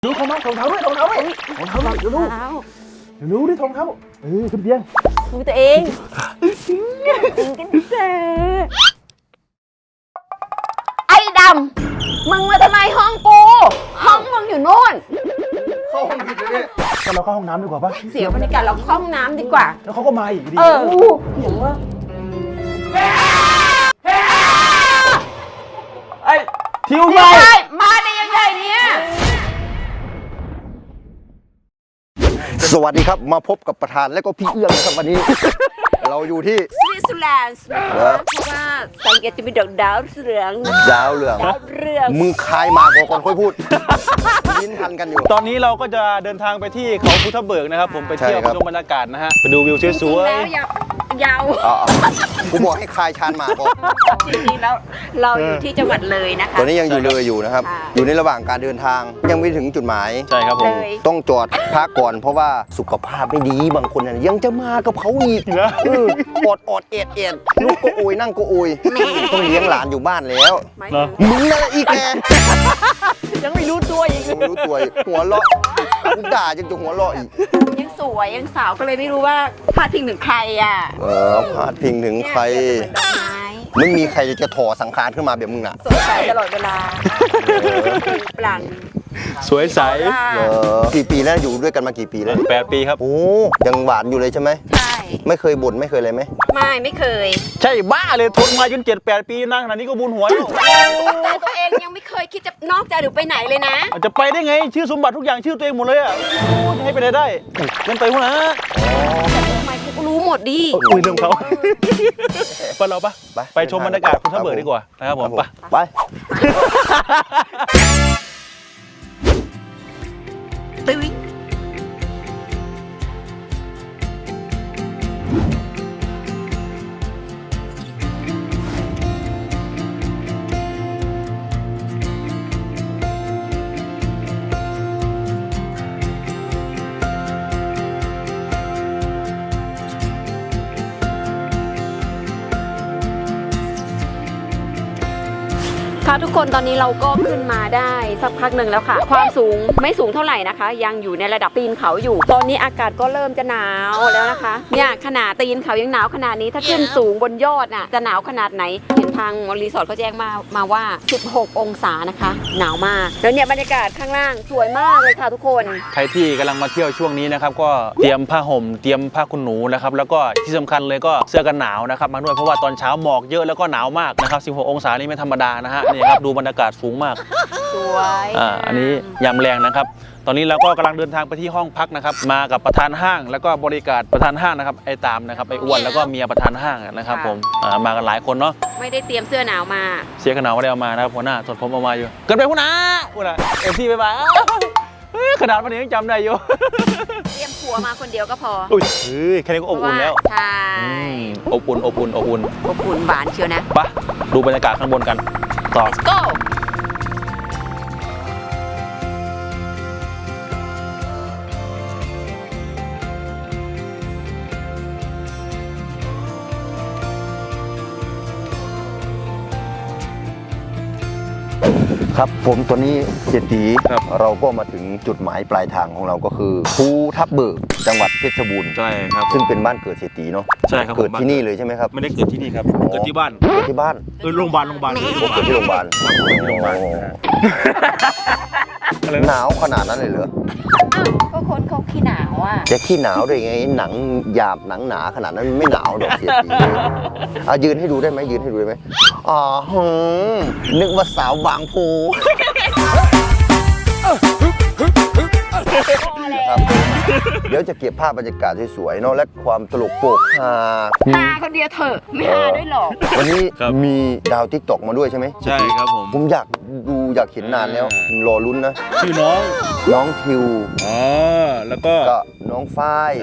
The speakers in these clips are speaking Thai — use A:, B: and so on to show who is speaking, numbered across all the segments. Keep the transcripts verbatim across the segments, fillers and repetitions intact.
A: ดูเขามาถงเท้าด้วยถงเท้าด้วยถงเท้าหน่อยเดี๋ยวดูเดี๋ยวดูดิถงเท้าเออขึ้นเตียง
B: ดูตัวเองกินกันเถอะไอ้ดำมึงมาทำไมห้องกูห้องมึงอยู่โน่น
A: เข้าห้องผิดเลยเนี่ยงั้นเราเข้าห้องน้ำดีกว่าปะ
B: เสียบรรยากาศเราเข้าห้องน้ำดีกว่า
A: แล้วเขาก็มาอีกดี
B: เอออย่างว่า
A: ไอ้ทิว
B: มา
A: มา
B: มาได้ยังไงเนี่ย
C: สวัสดีครับมาพบกับประธานและก็พี่เอื้องนะครับวันนี้ เราอยู่ที่
B: สวิตเซอร์แลนด์นะคะเพราะว่าสังเกตจะมีดอกดาวเรือง
C: ดาวเรือง
B: ดาวเรือง
C: มึงคายมาก่อนก่อนค่อยพูดยินทันกันอยู่
A: ตอนนี้เราก็จะเดินทางไปที่เขาภูทับเบิกนะครับผมไปเที่ยวไปชมบรรยากาศนะฮะไปดูวิวสวย
B: ๆแล้วยาวยาว
C: กูบอกให้คายชานมาก่อน
B: จริงๆแล้วเราอยู่ที่จังหวัดเลยนะคะ
C: ตอนนี้ยังอยู่เลยอยู่นะครับอยู่ในระหว่างการเดินทางยังไม่ถึงจุดหมาย
A: ใช่ครับผม
C: ต้องจอดพักก่อนเพราะว่าสุขภาพไม่ดีบางคนยังจะมากับเขาอีกอดอดเอ็ดเอ็ดลูกก็อุยนั่งก็อุยต้องเลี้ยงหลานอยู่บ้านแล้วมึงนั่นแหละอีกแก
B: ยังไม่รู้ตัวอีก
C: ยังไม่รู้ตัวหัวเราะกูด่าจนจะหัวเราะอีก
B: ยังสวยยังสาวก็เลยไม่รู้ว่าพาดพิงถึงใครอ่ะ
C: เออพาดพิงถึงใครไม่มีใครจะถอสังขารขึ้นมาแบบมึงน่ะ
B: สดใสตลอดเวลาปลั่น
A: สวยใส
C: เออกี่ปีแล้วอยู่ด้วยกันมากี่ปีแล้ว
A: แปดปีครับ
C: โอ้ยังหวานอยู่เลยใช่ไหม
B: ใช่
C: ไม่เคยบ่นไม่เคยอะไรไหม
B: ไม่ไม่เคย
A: ใช่บ้าเลยทนมาจนเจ็ดแปดปีนั่งขนาดนี้ก็บุญหัวแล้ว
B: แต่ตัวเองยังไม่เคยคิดจะนอกใจหรือไปไหนเลยนะ
A: จะไปได้ไงชื่อสมบัติทุกอย่างชื่อตัวเองหมดเลยอ่ะให้ไปไหนได้เกินไปหัวนะ
B: ทำไมกูรู้หมดดิ
A: คุยเรื่องเขาไปเราปะไปชมบรรยากาศภูทับเบิกดีกว่านะครับผมไป
C: ไป
B: ตึ้งค่ะทุกคนตอนนี้เราก็ขึ้นมาได้สักพักหนึ่งแล้วค่ะความสูงไม่สูงเท่าไหร่นะคะยังอยู่ในระดับตีนเขาอยู่ตอนนี้อากาศก็เริ่มจะหนาวแล้วนะคะเนี่ยขนาดตีนเขายังหนาวขนาดนี้ถ้าขึ้นสูงบนยอดน่ะจะหนาวขนาดไหนเห็นทางรีสอร์ทเขาแจ้งมามาว่าสิบหกองศานะคะหนาวมากแล้วเนี่ยบรรยากาศข้างล่างสวยมากเลยค่ะทุกคน
A: ใครที่กำลังมาเที่ยวช่วงนี้นะครับก็เตรียมผ้าห่มเตรียมผ้าขนหนูนะครับแล้วก็ที่สำคัญเลยก็เสื้อกันหนาวนะครับมาด้วยเพราะว่าตอนเช้าหมอกเยอะแล้วก็หนาวมากนะครับสิบหกองศานี่ไม่ธรรมดานะฮะนี่ครับดูบรรยากาศสูงมาก
B: สวย
A: อ่าอันนี้ยามแรงนะครับตอนนี้เราก็กำลังเดินทางไปที่ห้องพักนะครับมากับประธานห้างแล้วก็บริการประธานห้างนะครับไอ้ตามนะครับไอ้อ้วนแล้วก็เมียประธานห้างนะครับผมอ่ามากันหลายคนเนาะ
B: ไม่ได้เตรียมเสื้อหนาวมา
A: เสื้อกันหนาวไม่ได้เอามานะครับหัวหน้าสดผมเอามาอยู่เกินไปหัวหน้าหัวหน้าเอฟซีไปไปขนาดวันนี้ยังจำได้อยู่
B: เตรียมผัวมาคนเดียวก็พอ
A: อุ้ยแค่นี้ก็อบอุ่นแล้ว
B: ใช่
A: อบอุ่นอบอุ่นอบอุ่น
B: อบอุ่นหวานเชียวนะ
A: ไปดูบรรยากาศข้างบนกันต่อ
B: Let's go
C: ครับผมตัวนี้เศรษฐีเราก็มาถึงจุดหมายปลายทางของเราก็คือภูทับเบิกจังหวัดเพชรบูรณ์
A: ใช่ครับ
C: ซึ่งเป็นบ้านเกิดเศรษฐีเนาะ
A: ใช่ครับ
C: เกิดที่นี่เลยใช่ไหมครับ
A: ไม่ได้เกิดที่นี่ครับเกิดที่บ้าน
C: เกิดที่บ้าน
A: เออโรงพยาบาลโรงพยาบาล
C: เกิดที่โรงพยาบาลหนาวขนาดนั้นเลยเหรอ
B: ก็คนเขาขี้หนาวอ่ะ
C: จะขี้หนาวได้ไงหนังหยาบหนังหนาขนาดนั้นไม่หนาวดอกเศรษฐีอ่ะยืนให้ดูได้ไหมยืนให้ดูได้ไหมอ๋อนึกว่าสาวบางโพเดี๋ยวจะเก็บภาพบรรยากาศสวยๆเนาะและความตลกโปกฮา
B: ฮาคนเดียวเถอะไม่ฮาด้วยหรอก
C: วันนี้มีดาวทิกตอกมาด้วยใช่ไหม
A: ใช่ครับผม
C: ผมอยากดูอยากเห็นนานแล้วรอลุ้นนะ
A: ชื่อน้อง
C: น้องทิว
A: อ๋อแล้วก็
C: น้องฝ้าย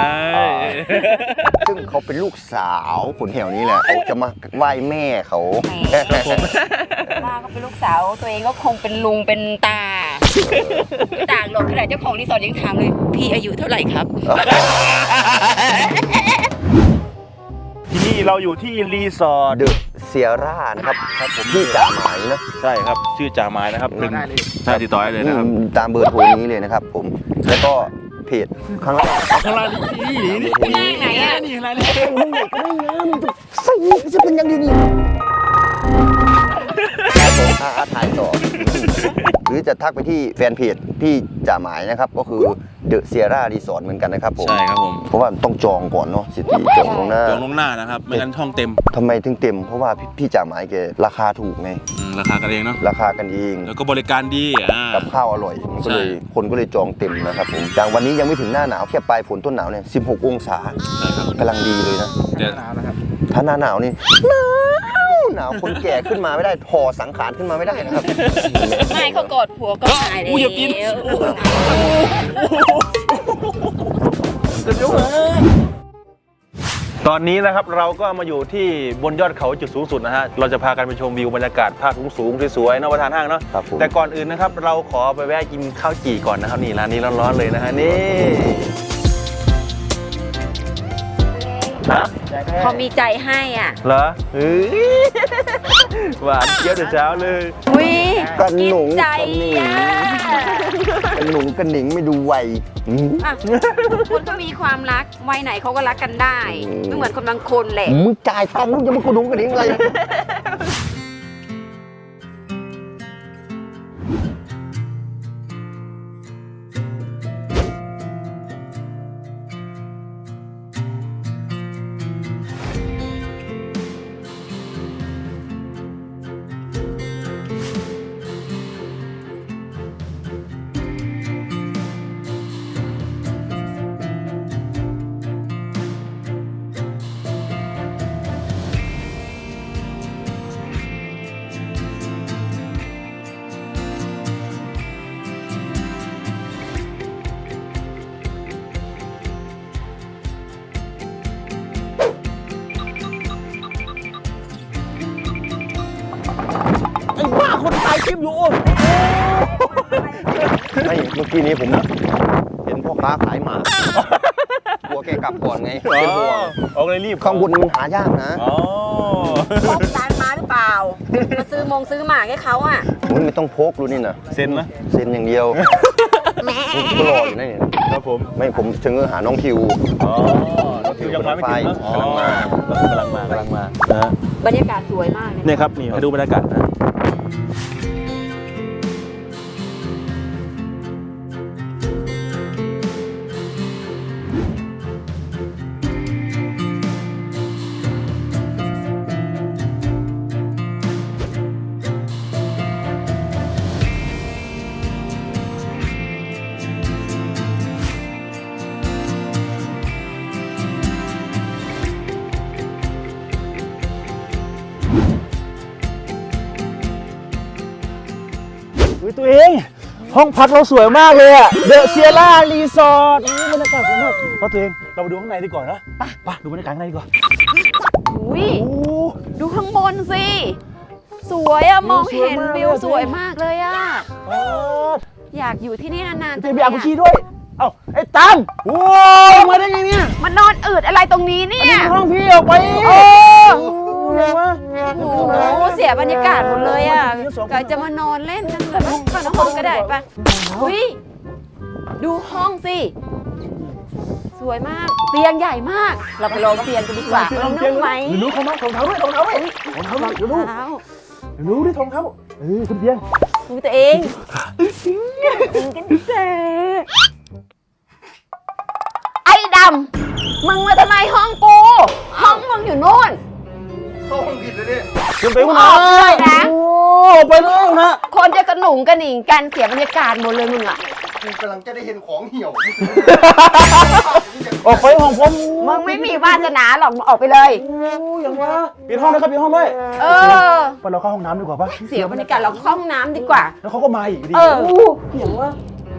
C: ซึ่งเขาเป็นลูกสาวคนแถวนี้แหละเขาจะมาไหว้แม่เขา
B: ป้าก็เป็นลูกสาวตัวเองก็คงเป็นลุงเป็นตาต่างหรอกขนาดเจ้าของรีสอร์ทยังถามเลยพี่อายุเท่าไหร่ครับ
A: ที่นี่เราอยู่ที่รีสอร์ท
C: เดอะเซียร่านะครับ
A: ครับผม
C: ที่จ่าหมายนะ
A: ใช่ครับชื่อจ่าไม้นะครับเป็นใช่ติดต่อได้เลยนะครับ
C: อืมตามเบอร์โทรนี้เลยนะครับผมแล้วก็เพจข้างล่าง
A: ข้างล่างนี่นี่นี่นี่
B: ไหนอ่ะ
A: นี่ข้างล่างนี่
C: ใส่จะเป็นยังไงนี่อาอาถ่ายต่อ หรือจะทักไปที่แฟนเพจพี่จ่าหมายนะครับ ก็คือเดอะเซียร่ารีสอร์ทเหมือนกันนะครับผม
A: ใช่ครับผม
C: เพราะว่าต้องจองก่อนเนาะสิทธิจองลวงหน้า
A: จองลวงหน้านะครับไม่งั้นช่องเต็ม
C: ทำไมถึงเต็ม เพราะว่าพี่พี่จ่าหมายแกราคาถูกไง
A: อืมราคากันเองเนาะ
C: ราคากันเอง
A: แล้วก็บริการดีอ่า
C: กับข้าวอร่อยมันก็เลย
A: ใช่
C: คนก็เลยจองเต็มนะครับผมอย่างวันนี้ยังไม่ถึงหน้าหนาวแค่ปลายฝนต้นหนาวเนี่ยสิบหกองศา
A: ใช่ครับ
C: กำลังดีเลยนะ
A: เดี๋ยว
C: ถ้าหน้าหนาวนี่หนาวหนาวคนแก่ขึ้นมาไม่ได้ถอสังขารขึ้นมาไม่ได้นะครับ
B: ไม่เขากอดผัวก็หายแล้ว
A: อู้อย่ากิน ตอนนี้นะครับเราก็มาอยู่ที่บนยอดเขาจุดสูงสุดนะฮะเราจะพากันไปชมวิวบรรยากาศภาพสูงๆสวยๆนอกประทานห้างเนาะ
C: ครับผม
A: แต่ก่อนอื่นนะครับเราขอไปแวะกินข้าวจี่ก่อนนะครับนี่ร้านนี้ร้อนๆเลยนะฮะนี่ฮะ
B: เขามีใจให้อ่ะ
A: เหรอเฮ้ยหวานเจี๊ยบแต่เช้าเลย
B: อุ้ย
C: กระหนุง
B: ใจ
C: กระหนิง
B: อ่ะ
C: กระหนุงกระหนิงไม่ดูวัยอืม
B: อ่ะคนก็มีความรักวัยไหนเขาก็รักกันได้
C: อืม
B: ไม่เหมือนคนบางคนแหละ
C: มึงจ่ายตังค์มึงจะมากระหนุงกระหนิงอะไร
A: ไอ้บ้าคนถ่ายคลิปอยู่
C: ไม่เมื่อกี้นี้ผมเห็นพ่อค้าขายหมากลัวแกกลับก่อนไง
A: อ๋
C: เป็นห่วง
A: อเอาเลยรีบ
C: ข้างบนมันหายากนะ
A: อ๋อ
B: พกจานมาหรือเปล่า มาซื้อมงซื้อหมากให้เขาอ่ะ
C: มึงไม่ต้องพกรู้นี่นะ
A: เซ็นนะ
C: เซ็นอย่างเดียวมึงก็รออยู่นั่นเอง
A: ครับผม
C: ไม่ผมเชิงหาน้องคิว
A: อ๋อรถคิวยังมาไม่ถึงเนอะอ๋อก
C: ำลังมา
A: กำลังมากำลังมานะฮะ
B: บรรยากาศสวยมากเลย
A: เนี่ยครับนี่ให้ดูบรรยากาศนะ
D: อุ๊ยตัวเองห้องพักเราสวยมากเลยอะเดอะเซียร่ารีสอร์ทบรรยากาศสวยมากเพราะตัวเองเราไปดูข้างในดีกว่านะไปไปดูบรรยากาศข้างในดีกว่า
B: อุ้ย
D: โอ้
B: ดูข้างบนสิ สวยอะมองเห็น
D: สวยมาก
B: วิวสวยมากเลยอะ
D: โอ้
B: อยากอยู่ที่นี่นานๆ
D: เจ
B: จัง
D: บี
B: เลย
D: อากุชี
B: อะ
D: ด้วยเอ้าไอ้ตังโอ้ยมาได้ไงเนี่ย
B: มันนอนอืดอะไรตรงนี้เนี่ย
D: ห้องพี่ออกไป
B: โอ้
D: เห็นไหม
B: โอ้โหเสียบรรยากาศหมดเลยอ่ะกะจะมานอนเล่นกันแบบข้างห้องก็ได้ปะอุ้ยดูห้องสิ สวยมาก เตียงใหญ่มาก เราไปลองเตียงกันดีกว่าลองนั่งไหม
D: เดี๋ยวรู้เขามาถองเท้าด้วยถองเท้าด้วยถองเท้าด้วยเดี๋ยวรู้
B: เท้า
D: เดี๋ยวรู้ดิถองเท้าเออขึ้นเตียง
B: ดูตัวเองกันเจไอ้ดำมึงมาทำไมห้องกู ห้องมึงอยู่โน่น
D: ขึ้นไปข้าง
B: ออกเลยนะ
D: โอ้ไปเลยนะ
B: คนจะกระหนุงกระหนิงกันเสียบรรยากาศหมดเลยมึงอ่ะ
C: กูกำลังจะได้เห็นของเหี่ยว
D: ออกไปห้องผม
B: มึงไม่มีวาสนาหรอกมึงออกไปเลย
D: โอ้ยังวะปิดห้องนะครับปิดห้องด้วย
B: เออ
D: ไปเราเข้าห้องน้ำดีกว่าปะ
B: เสียบรรยากาศเราเข้าห้องน้ำดีกว่า
D: แล้วเขาก็มาอีกดี
B: เออ
D: โอย่างวะ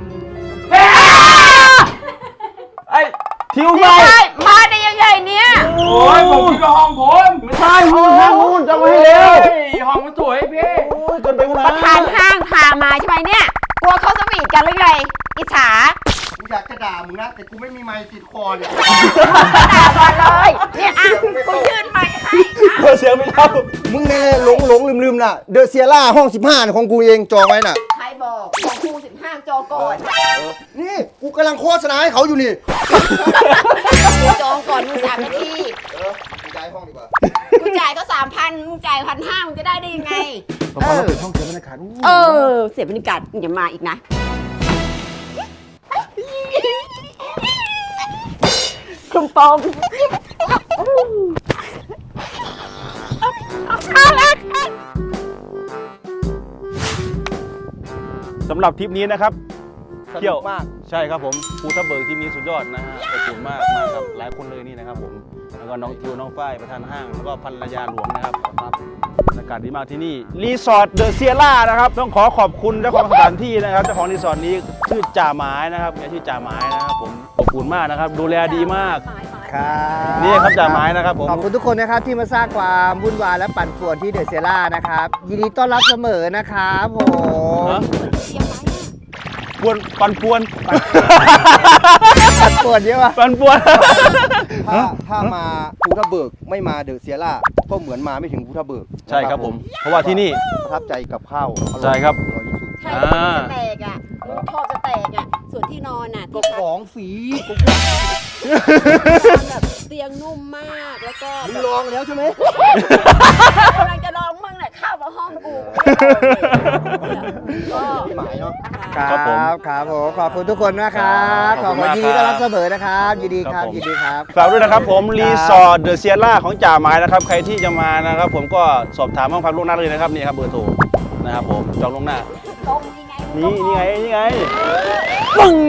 D: ไอ้ทิว
B: ไม่
D: ไป
B: ใช่มาได้ยังไงเนี่ย
D: โอ้ยผมคิดว่าห้องผมไม่ใช่ห้องห้องนู้นจำไว้ให้เร็วห้องมันสวยพี่โอ้ยเกินไปคนละ
B: ประธานห้างพามาใช่ไหมเนี่ย กลัวเขาสวีทกันหรือไง อิจฉา
C: อยากจะด่ามึงนะแต่กูไม่มีไมค์ติดคอเนี่ย
B: ด่าก่อนเลยเนี่ยอ่ะกูยื่นไมค์ให้
D: เปิดเสียงไม่เท่า
C: มึงเนี่ยหลงหลงลืมลืมน่ะเดอะเซียร่าห้องสิบห้าของกูเองจองไว้น่ะ
B: ใครบอกของครูสิบห้าจอก่อน
C: นี่กูกำลังโฆษณาให้เขาอยู่นี่
B: กูจองก่อนมึงสามนาที
C: เออกูย้ายห้องดีกว่า
B: กูจ่ายก็สามพันมึงจ่ายพันห้ามึงจะได้ได้ยังไง
D: พอเราเปิดห้องเสียงบรรยากาศ
B: เออ เสียบรรยากาศอย่ามาอีกนะคลุมปอม
A: สำหรับทริปนี้นะครับ
C: ส
A: เที่ย
C: นุ
A: ว
C: กมาก
A: ใช่ครับผมภูทับเบิกที่มีสุดยอดนะฮะอบอุ่นมากมากับหลายคนเลยนี่นะครับผมแล้วก็น้องทิวน้องฝ้ายประธานห้างแล้วก็ภรรยาหลวงนะครับครับบรรยากาศดีมากที่นี่รีสอร์ทเดอะเซียร่านะครับต้องขอขอบคุณเจ้าของสถานที่นะครับเจ้าของรีสอร์ทนี้ชื่อจ่าหมายนะครับเนี่ยชื่อจ่าหมายนะครับผมอบอุ่นมากนะครับดูแลดีมาก
C: ครับ
A: นี่ครับจ่าหมายนะครับผม
C: ขอบคุณทุกคนนะครับที่มาสร้างความวุ่นวายและปั่นป่วนที่เดอะเซียร่านะครับยินดีต้อนรับเสมอนะครับผม
A: ฮะปวนปันปวน
C: ปั่นป่วนเยอะป่ะ
A: ปันปวน
C: ถ้าถ้ามาภูทับเบิกไม่มาเดอะเซียร่าก็เหมือนมาไม่ถึงภูทับเบิก
A: ใช่ครับผม เพราะว่าที่นี่
C: ประทับใจกับข้าวออย
A: ใช่ครับ
C: อร่อยที่สุด
B: ใช่ที่จะแตกอ่ะมึงชอบจะแตกอ่ะ ส่วนที่นอนอ่ะ
C: ก็
B: ที่พัก
C: ของฝี
B: แบบเตียงนุ่มมากแล้วก็
C: มึ
B: แบ
C: ง
B: บ
C: ลองแล้วใช่ไหม
B: กำลังจะลองมึงแหละเข้ามาห้องกูก็
C: พี่หมายเนาะ
A: ครับผม
C: ครับผมขอบคุณทุกคนนะครับข
A: ข
C: อ
A: อ
C: บบ
A: คุ
C: คุณ
A: ณมาก
C: ยินดีต้อนรับเสมอนะครับยินดีค
A: ครั
C: รับบ
A: ผม
C: ยินดีครับ
A: ฝากด้วยนะครับผมรีสอร์ทเดอะเซียร่าของจ่าหมายนะครับใครที่จะมานะครับผมก็สอบถามห้องพักล่วงหน้าเลยนะครับนี่ครับเบอร์โทรนะครับผมจองล่วงหน้า
B: ตรงยังไง
A: นี่นี่ไงนี่ไงปึ้ง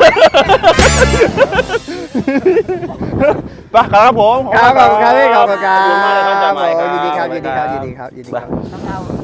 A: ไปครับผม
C: ครับขอบคุณครับพี่ขอบคุณครั
A: ขอบคุณมากเลยครับจ่าหมาย
C: บ
A: ครับ
C: ยินดีครับยินดีครับยินดีครับยินดีครับ
B: เรา